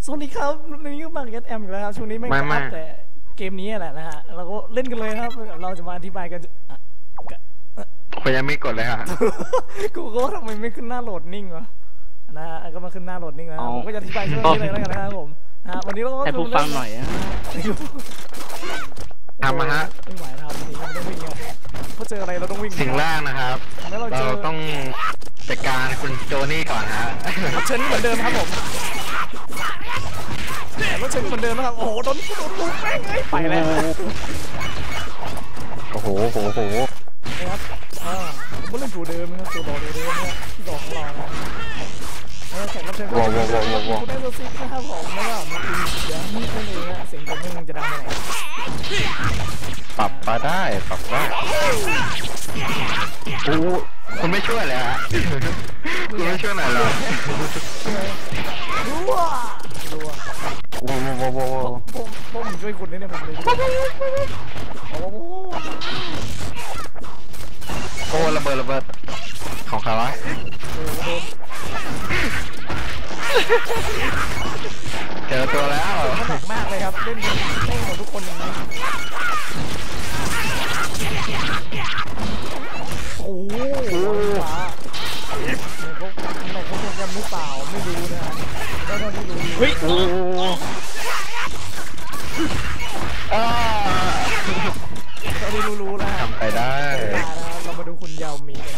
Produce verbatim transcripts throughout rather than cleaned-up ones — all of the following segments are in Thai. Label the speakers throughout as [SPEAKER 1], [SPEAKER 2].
[SPEAKER 1] สวัสดีครับวันนี้ก็มาเก็ตแอมอีกแล้วครับช่วงนี้ไม่อัพแต่เกมนี้แหละนะฮะเราก็เล่นกันเลยครับเราจะมาอธิบายกัน
[SPEAKER 2] พยังไม่กดเลยครับ
[SPEAKER 1] กูก็ทำไมไม่ขึ้นหน้าโหลดนิ่งวะนะฮะก็มาขึ้นหน้าโหลดนิ่งแล้วผมก็จะอธิบายช่วงนี้เลยแล้วกันนะครับผมนะวันนี้เราก็
[SPEAKER 3] ให้ผู้ฟังหน่อยนะ
[SPEAKER 2] ทำมาฮะ
[SPEAKER 1] ไม่ไหวครับนี่เราต้องวิ่งครับเพราะเจออะไรเราต้องวิ่ง
[SPEAKER 2] สิ่งแรกนะครับเราต้องจัดการคุณโจนี่ก่อนฮะ
[SPEAKER 1] เชิญเหมือนเดิมครับผมรถเชิญเหมือนเดิมนะครับโอ้โหโดนโดนลูกแม่งเลยไปแล้ว
[SPEAKER 2] โอ้โหโอ้โห
[SPEAKER 1] นะครับอ่าผมก็เล่นตัวเดิมนะครับตัวดอกเดิมเนี่ยที่ดอกของเรานะแข่งรับเชิญก็คุณได้ตัวซิกนะครับผมแล้วก็มีคุณเดี๋ยวนี่นั่นเองนะเสียงผมมึงจะดังไปไหน
[SPEAKER 2] ปรับมาได้ปรับได้โอ้คุณไม่ช่วยเลยฮะคุณไม่ช่วยหน่อยเลย
[SPEAKER 1] รัวรัว
[SPEAKER 2] โว้โว้โว้โว้
[SPEAKER 1] ผมผมช่วยคุณนี่เนี่ยผมเลยโอ้
[SPEAKER 2] โอ้ระเบิดระเบิดของใครวะเจอตัวแล้ว
[SPEAKER 1] หนักมากเลยครับเล่นเล่นของทุกคนอย่างนี้โอ้โหฟ้าเนี่ยเขาไหนเขาคงจะไม่เปล่าไม่รู้นะได้เท่าที่รู้
[SPEAKER 2] เฮ้ยโอ้
[SPEAKER 1] อ่าเท่าที่รู้รู้นะ
[SPEAKER 2] ทำไปได้
[SPEAKER 1] เรามาดูคุณยาวมีกัน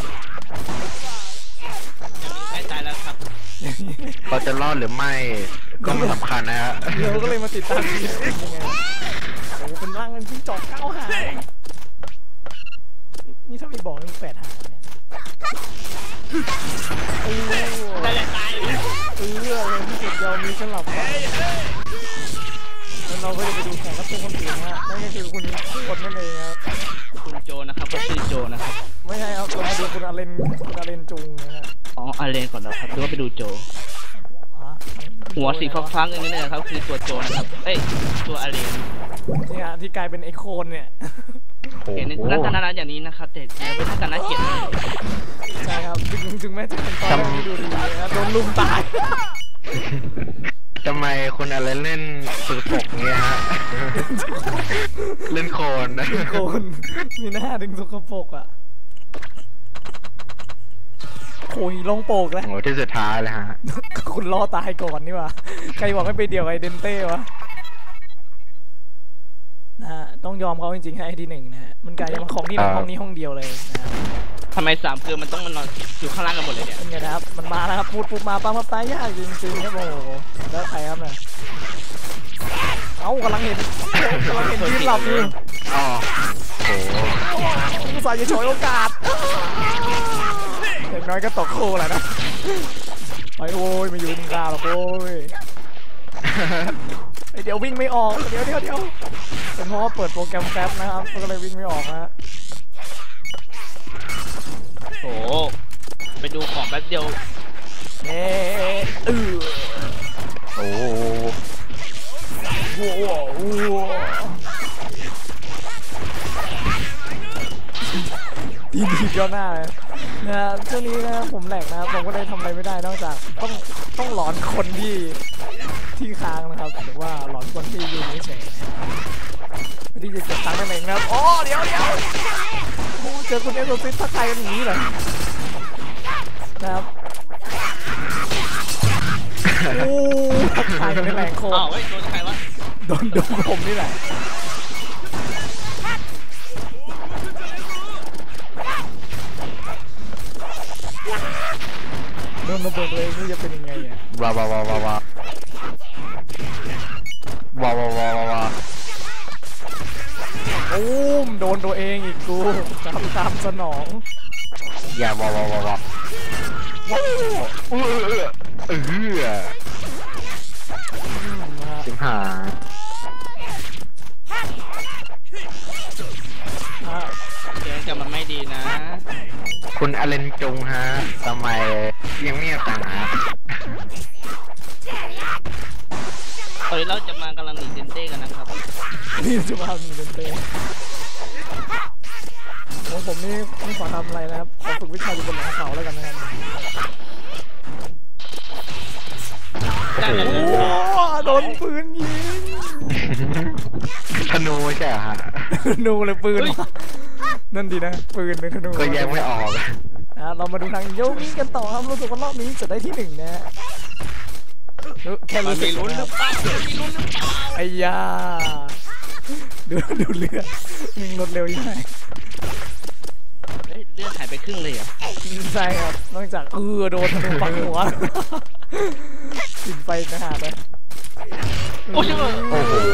[SPEAKER 3] ใกล้ตายแล้วครับ
[SPEAKER 2] เขาจะรอดหรือไม่ก็ไม่สำคัญนะฮะ
[SPEAKER 1] เราก็เลยมาติดตามทีมยังไงโอ้เป็นร่างเป็นที่จอกเก้าหางนี่ถ้ามีบอกมันแปดหางเนี่ยโอ้
[SPEAKER 3] ตายตาย
[SPEAKER 1] เออเลยที่สุดยาวมีสลับแล้วเราก็จะไปดูแข่งรับเชิญคนอื่นนะฮะนั่นก็คือคุณกดนั่นเองครับ
[SPEAKER 3] คุณโจนะครับก็ชื่อโจนะครับ
[SPEAKER 1] ไม่ใช่ครับเรามาดูคุณอาเลนคุณอาเลนจุงนะฮะ
[SPEAKER 3] อ๋ออาเลนก่อนนะครับดูว่าไปดูโจหัวสีฟ้าๆอย่างนี้นะครับคือตัวโจนะครับเอ้ยตัวอาเลน
[SPEAKER 1] นี่ฮะที่กลายเป็นไอโคนเนี่ย
[SPEAKER 3] เห็นลักษณะอย่างนี้นะครับแต่เป็นลักษณะเกียรติ
[SPEAKER 1] ใช่ครับถึงถึงแม้จะเป็นตอนที่ดูดีนะครับโดนลุมตาย
[SPEAKER 2] ทำไมคนอะไรเล่นสื่อปกเงี้ยฮะเล่นโคนนะ
[SPEAKER 1] โคนมีหน้าดึงสกปรกอ่ะโอ้ยลงโปกแล้ว
[SPEAKER 2] โอ้ที่สุดท้ายเลยฮะ
[SPEAKER 1] คุณรอตายก่อนนี่วะใครบอกไม่ไปเดี่ยวไอเดนเต้วะนะฮะต้องยอมเขาจริงๆให้ที่หนึ่งนะฮะมันกลายเป็นของที่ในห้องนี้ห้องเดียวเลยนะ
[SPEAKER 3] ทำไมสามคือมันต้องมันนอนอยู่ข้างล่างกันหมดเลยเนี่ย
[SPEAKER 1] เป็นไงนะครับมันมาแล้วครับพูดปุ๊บมาปั๊มมาตายยากจริงๆครับโอ้โหแล้วใครครับเนี่ยเอ้ากำลังเห็นกำลังเห็นยืนหลับอยู่
[SPEAKER 2] อ๋อโอ้
[SPEAKER 1] ผู้สายจะฉวยโอกาสอย่างน้อยก็ตกโค้แหละนะไปโอ้ยมาอยู่มึงกล้าหรอกโอ้ยเดี๋ยววิ่งไม่ออกเดี๋ยวเดี๋ยวเดี๋ยวเป็นเพราะว่าเปิดโปรแกรมแป๊บนะครับก็เลยวิ่งไม่ออกนะ
[SPEAKER 3] โอ้ไปดูของแป๊บเดียว
[SPEAKER 1] เอ๊ะเออ
[SPEAKER 2] โอ้โห
[SPEAKER 1] โอ้โหดีดีเจ้าหน้าเลยนะช่วงนี้นะผมแหลกนะครับผมก็เลยทำอะไรไม่ได้นอกจากต้องต้องหลอนคนที่ที่ค้างนะครับหรือว่าหลอนคนที่อยู่เฉยๆที่จะเก็บตังค์นั่นเองนะครับโอ้เดี๋ยวเดี๋ยวโอ้เจอคุณเอสโซซิสทักทายกันอย่างนี้เหรอนะครับโอ้ทักทายกันในแรงโคตร
[SPEAKER 3] อ้าวเฮ้ยโดนใครวะ
[SPEAKER 1] โดนโดนผมนี่แหละโดนระเบิดเลยนี่จะเป็นยังไงอ่ะ
[SPEAKER 2] ว้าวว้าวว้าวว้าวว้าวว้าวว้าวว้าว
[SPEAKER 1] โอ้มโดนตัวเองอีกกูตามตามสนอง
[SPEAKER 2] อย่าว้าวว้าวว้าวว้าวเออเออเออจิมหา
[SPEAKER 3] เดี๋ยวจะมันไม่ดีนะ
[SPEAKER 2] คุณอเลนจงฮะทำไมยังไม่ต่างฮะ
[SPEAKER 3] ตอนนี้เราจะมากำลังหนีเดนเต้กันนะครับ
[SPEAKER 1] นี่จะมาหนีเดนเต้ของผมนี่ไม่ขอทำอะไรนะครับขอฝึกวิชาอยู่บนหลังเขาแล้วกันนะครับ
[SPEAKER 3] ได้แล้ว
[SPEAKER 1] โดนปืนยิง
[SPEAKER 2] ธนูใช่เหรอฮะ
[SPEAKER 1] นูเลยปืนมานั่นดีนะปืนในธนู
[SPEAKER 2] ก็แยกไม่ออก
[SPEAKER 1] นะเรามาดูทางโยมิกันต่อครับรู้สึกว่ารอบนี้จะได้ที่หนึ่งนะฮะแค่รู้สึก
[SPEAKER 3] ลุ้นหรือเปล่ามีลุ้นหรือเปล่า
[SPEAKER 1] ไอ้ยาดูดูเลือดยิงรถเร็วยังไง
[SPEAKER 3] เฮ้ยเลือดหายไปครึ่งเลยเหรอ
[SPEAKER 1] ใช่ครับนอกจากเออโดนธนูปักหัวกินไฟนะฮะไป
[SPEAKER 3] โอ้โห
[SPEAKER 2] โอ้โห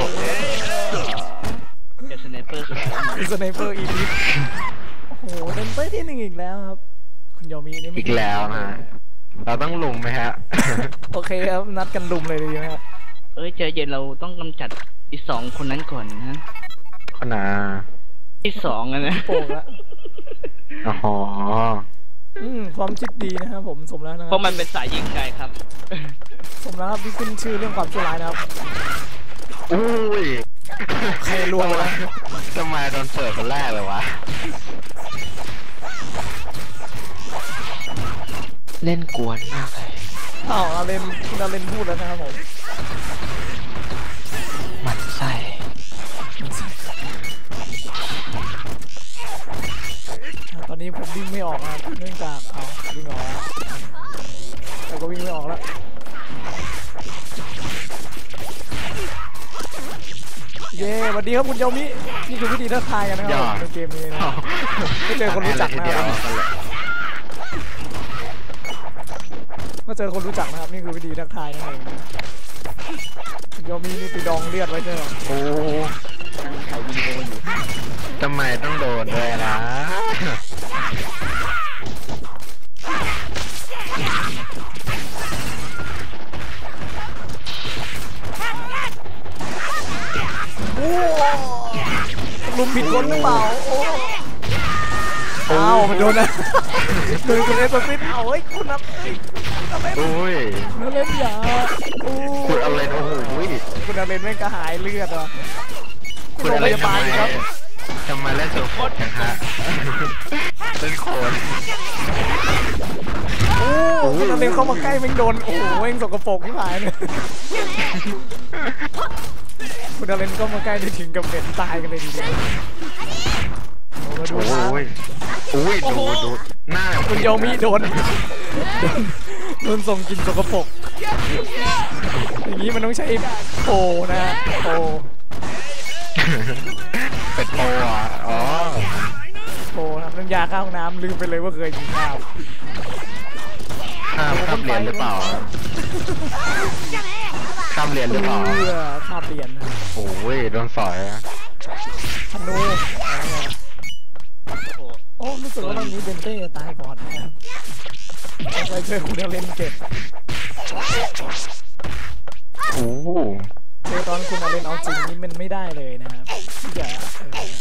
[SPEAKER 3] เจ็บสไนเปอร์ครับ
[SPEAKER 1] สไนเปอร์อีลิทโอ้โหเดินไปที่หนึ่งอีกแล้วครับคุณโยมินี่ไม่
[SPEAKER 2] อีกแล้วนะ เราต้องลุมไหมฮะ
[SPEAKER 1] โอเคครับนัดกันลุมเลยดีไหมครับ
[SPEAKER 3] เอ้ยใจเย็นเราต้องกำจัดอีสองคนนั้นก่อนนะ
[SPEAKER 2] ขนา
[SPEAKER 3] ที่สองอะนะ
[SPEAKER 1] โป่งละ
[SPEAKER 2] อ๋อ
[SPEAKER 1] อืมความคิดดีนะครับผมสมแล้วนะค
[SPEAKER 3] เพ
[SPEAKER 1] รับ
[SPEAKER 3] ราะมันเป็นสายยิงไกลครับ
[SPEAKER 1] สมแล้วครับที่ขึ้นชื่อเรื่องความชั่วร้ายนะครับ
[SPEAKER 2] อุ้ย
[SPEAKER 1] ใครล่วงไปแล้ว
[SPEAKER 2] ทำไมโดนเปิดคนแรกเลยวะ เล่นกวนมากเลย
[SPEAKER 1] อ้าวเราเล่นเราเล่นพูดแล้วนะครับผม
[SPEAKER 2] หมันไส้
[SPEAKER 1] ตอนนี้ผมวิ่งไม่ออกนะครับเนื่องจากเอาวิ่งออกแล้วแต่ก็วิ่งไม่ออกแล้วเย้สวัสดีครับคุณโยมินี่คือวิธีทักทายกันนะครับในเกมนี้นะไม่เจอคนรู้จักนะครับเมื่อเจอคนรู้จักนะครับนี่คือวิธีทักทายนั่นเองคุณโยมินี่ไปดองเลือดไว้ใช่ไหม
[SPEAKER 2] โอ้ถ่ายวีดีโออยู่ทำไมต้องโดนด้วยนะ
[SPEAKER 1] โอ้ลุมผิดคนหรือเปล่าโอ้อ้าวมันโดนนะโดนคุณเอสฟิตเอาเฮ้ยคุณนับเฮ้ยคุณอะไร
[SPEAKER 2] โอ้ย
[SPEAKER 1] นั่นเล่นยาโอ้
[SPEAKER 2] คุณอะไรโอ้โห
[SPEAKER 1] คุณอาเลนแม่งกระหายเลือดอ่ะ
[SPEAKER 2] คุณ
[SPEAKER 1] โรง
[SPEAKER 2] อะไร
[SPEAKER 1] พยา
[SPEAKER 2] ทำ
[SPEAKER 1] บา
[SPEAKER 2] ไม
[SPEAKER 1] ลครับ
[SPEAKER 2] ทำไมเล่นตัวโคตรจังฮะเล่นโคตร
[SPEAKER 1] โอ้คุณอาเลนเข้ามาใกล้แม่งโดนโอ้โหแม่งสกปรกที่หายเลยคุณอาเลนก็มาใกล้ได้ถึงกับเหม็นตายกันเลยทีเดียวโอ้มาดู
[SPEAKER 2] โอ้
[SPEAKER 1] นะ
[SPEAKER 2] ยโอ้ยดูดูหน้า
[SPEAKER 1] คุณโยมิโดนโดนโดนส่งกลินสกปรกอย่างนี้มันต้องใช้โปนะฮะโป
[SPEAKER 2] เป็ดโปอ่ะอ๋อ
[SPEAKER 1] โปนะครับน้ำยาข้าวห้องน้ำลืมไปเลยว่าเคยกินข้าว
[SPEAKER 2] ข้ามข้ามเรียนหรือเปล่าข้ามเรียนหรือเปล่า
[SPEAKER 1] เพื่อข้าเปลี่ยนนะ
[SPEAKER 2] โอ้ยโดนสอยอะ
[SPEAKER 1] ธนูโอ้รู้สึกว่าตอนนี้เบนเต้ตายก่อนนะครับไปเจอคุณเล่นเก็บ
[SPEAKER 2] โอ้โห
[SPEAKER 1] เจอตอนคุณเล่นเอาจริงนี่มันไม่ได้เลยนะครับที่จะเออ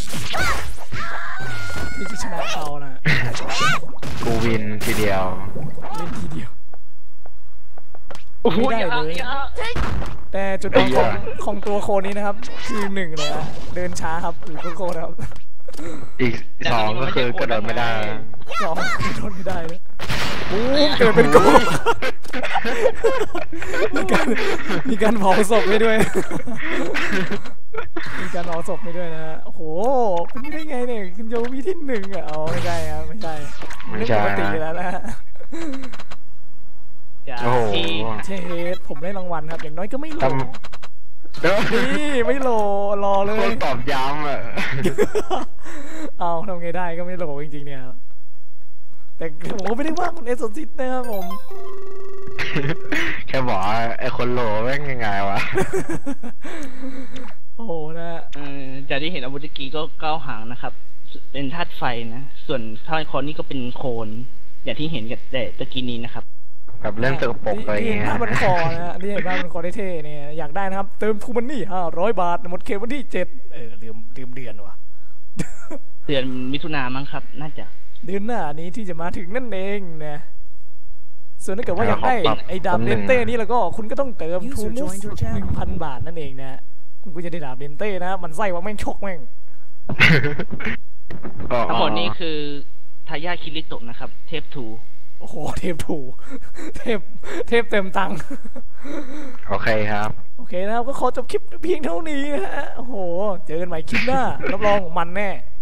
[SPEAKER 1] ที่จะชนะเขานะ
[SPEAKER 2] กูวินทีเดียว
[SPEAKER 1] เล่นทีเดียว
[SPEAKER 3] โอ้โห
[SPEAKER 1] ไม่ได้
[SPEAKER 3] อย่า
[SPEAKER 1] เลย
[SPEAKER 3] อย่า
[SPEAKER 1] แต่จุดอ่อนของของตัวโคนี้นะครับคือหนึ่งเลยฮะเดินช้าครับหรือโคตรครับ
[SPEAKER 2] อีกสองก็คือกระโดดไม่ได้
[SPEAKER 1] สองโดนไม่ได้เลยโอ้เกิดเป็นโกงมีการมีการเผาศพไปด้วย มีการเผาศพไปด้วยนะฮะโอ้โหเป็นไปได้ไงเนี่ยคุณโยมีที่หนึ่งอ่ะเอาไม่ใช่ครับไม่ใช่
[SPEAKER 2] ไม่ใช่
[SPEAKER 1] ปกติแล้วนะฮะ
[SPEAKER 3] อย่า
[SPEAKER 2] โอ้โห
[SPEAKER 3] ที่
[SPEAKER 1] เชดผมได้รางวัลครับอย่างน้อยก็ไม่โหล
[SPEAKER 2] ท เด้อ
[SPEAKER 1] นี่ไม่โหลรอเล
[SPEAKER 2] โค
[SPEAKER 1] ย
[SPEAKER 2] ตรตอบย้ำอ่ะ
[SPEAKER 1] เอาทำไงได้ก็ไม่โหลจริงๆเนี่ยครับแต่ผมก็ไม่ได้ว่าคุณเอสโซซิตนะครับผม
[SPEAKER 2] แค่บอกว่าไอ้คนโหลแม่งยังไงวะ
[SPEAKER 1] โอ้โหนะ
[SPEAKER 3] เออจากที่เห็นอาวุธตะกี้ก็เก้าหางนะครับ เป็นธาตุไฟนะ ส่วนธาตุคอนนี่ก็เป็นโคน อย่างที่เห็นกับแต่ตะกี้นี้นะครับ
[SPEAKER 2] แบบเล่นสกปรกอะไร
[SPEAKER 1] นี่
[SPEAKER 2] เงี้
[SPEAKER 1] เห็น
[SPEAKER 2] ย
[SPEAKER 1] ภาพมันคอนะฮะนี่เห็นภาพมันคอได้เท่เนี่ยอยากได้นะครับ เติมทูมันนี่ห้าร้อยบาทหมดเขตวันที่เจ็ดเออลืมลืมเดือนว่ะ
[SPEAKER 3] เดือนมิถุนามั้งครับ น่าจะ
[SPEAKER 1] เดือนหน้านี้ที่จะมาถึงนั่นเองนะส่วนถ้าเกิดว่าอยากได้ไอ้ดาบเลนเต้นี่แล้วก็คุณก็ต้องเติมทูมูฟหนึ่งพันบาทนั่นเองนะคุณก็จะได้ดาบเลนเต้นะมันไส้ว่าแม่งชกแม่ง
[SPEAKER 2] อ๋อ
[SPEAKER 3] ทั้งหมดนี้คือทายาทคิริโตะนะครับ เทพทู
[SPEAKER 1] โโอ้โหเทพถูเทพเทพเต็มตังค์
[SPEAKER 2] โอเคครับ
[SPEAKER 1] โอเคนะครับก็ขอจบคลิปเพียงเท่านี้นะฮะโอ้โหเจอกันใหม่คลิปหน้ารับรองมันแน่